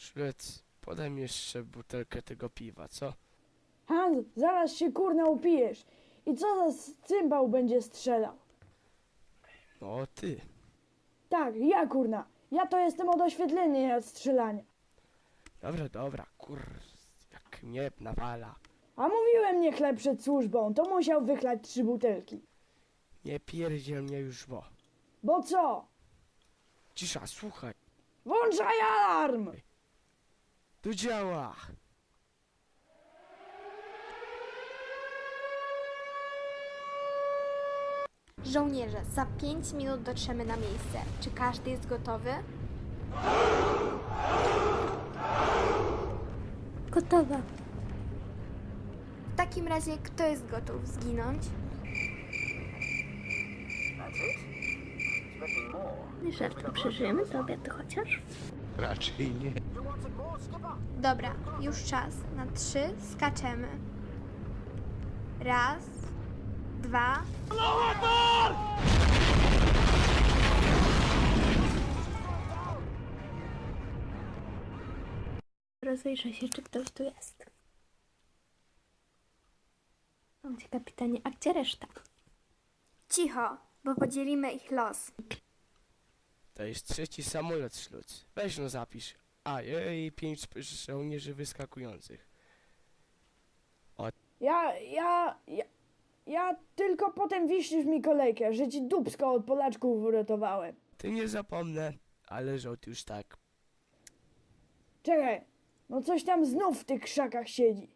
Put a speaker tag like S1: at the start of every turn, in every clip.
S1: Szlec, podaj mi jeszcze butelkę tego piwa, co?
S2: Hans, zaraz się kurna upijesz. I co za cymbał będzie strzelał?
S1: No ty.
S2: Tak, ja kurna. Ja to jestem od oświetlenia i od strzelania.
S1: Dobra, jak mnie nawala.
S2: A mówiłem nie chleb przed służbą, to musiał wychlać 3 butelki.
S1: Nie pierdziel mnie już, bo.
S2: Bo co?
S1: Cisza, słuchaj.
S2: Włączaj alarm!
S1: Tu działa.
S3: Żołnierze, za 5 minut dotrzemy na miejsce. Czy każdy jest gotowy?
S4: Gotowa.
S3: W takim razie, kto jest gotów zginąć?
S4: Żartem przeżyjemy do obiadu chociaż?
S5: Raczej nie.
S3: Dobra, już czas. Na 3 skaczemy. Raz, 2.
S4: Rozejrzę się, czy ktoś tu jest. Gdzie kapitanie, a gdzie reszta?
S3: Cicho, bo podzielimy ich los.
S1: To jest 3. samolot, Szluc. Weź no zapisz. A, i 5 żołnierzy wyskakujących.
S2: Ja tylko potem wiśnisz mi kolejkę, że ci dupsko od Polaczków uratowałem.
S1: Ty nie zapomnę, ale żołd już tak.
S2: Czekaj, no coś tam znów w tych krzakach siedzi.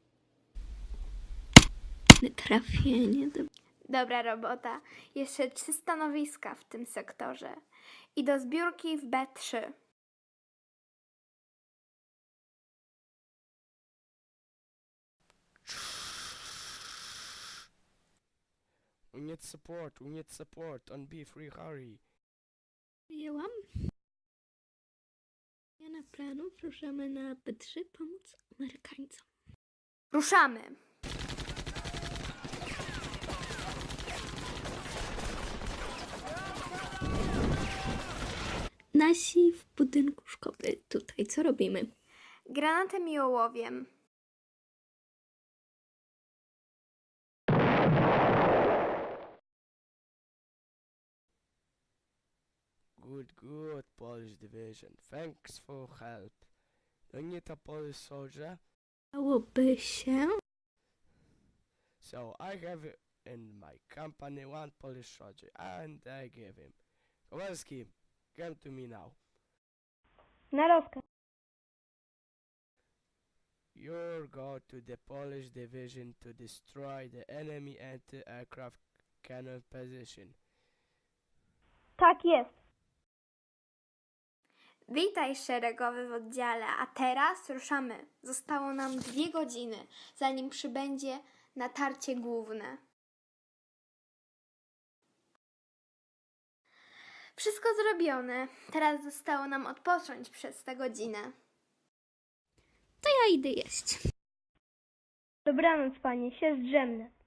S4: Trafienie do...
S3: Dobra robota. Jeszcze 3 stanowiska w tym sektorze. I do zbiórki w B3.
S1: We need support on B3, hurry.
S4: Wyjęłam. Zmiana planów, ruszamy na B3 pomóc Amerykańcom.
S3: Ruszamy!
S4: Nasi w budynku szkoły. Tutaj co robimy?
S3: Granatem i ołowiem.
S1: Good, Polish division. Thanks for help. You need a Polish soldier?
S4: Dałoby się...
S1: So I have in my company 1 Polish soldier, and I give him. Kowalski, come to me now.
S4: Na rozkaz.
S1: You go to the Polish division to destroy the enemy anti-aircraft cannon position.
S4: Tak jest.
S3: Witaj szeregowy w oddziale, a teraz ruszamy. Zostało nam 2 godziny, zanim przybędzie natarcie główne. Wszystko zrobione. Teraz zostało nam odpocząć przez tę godzinę.
S4: To ja idę jeść.
S6: Dobranoc, panie, się zdrzemnę.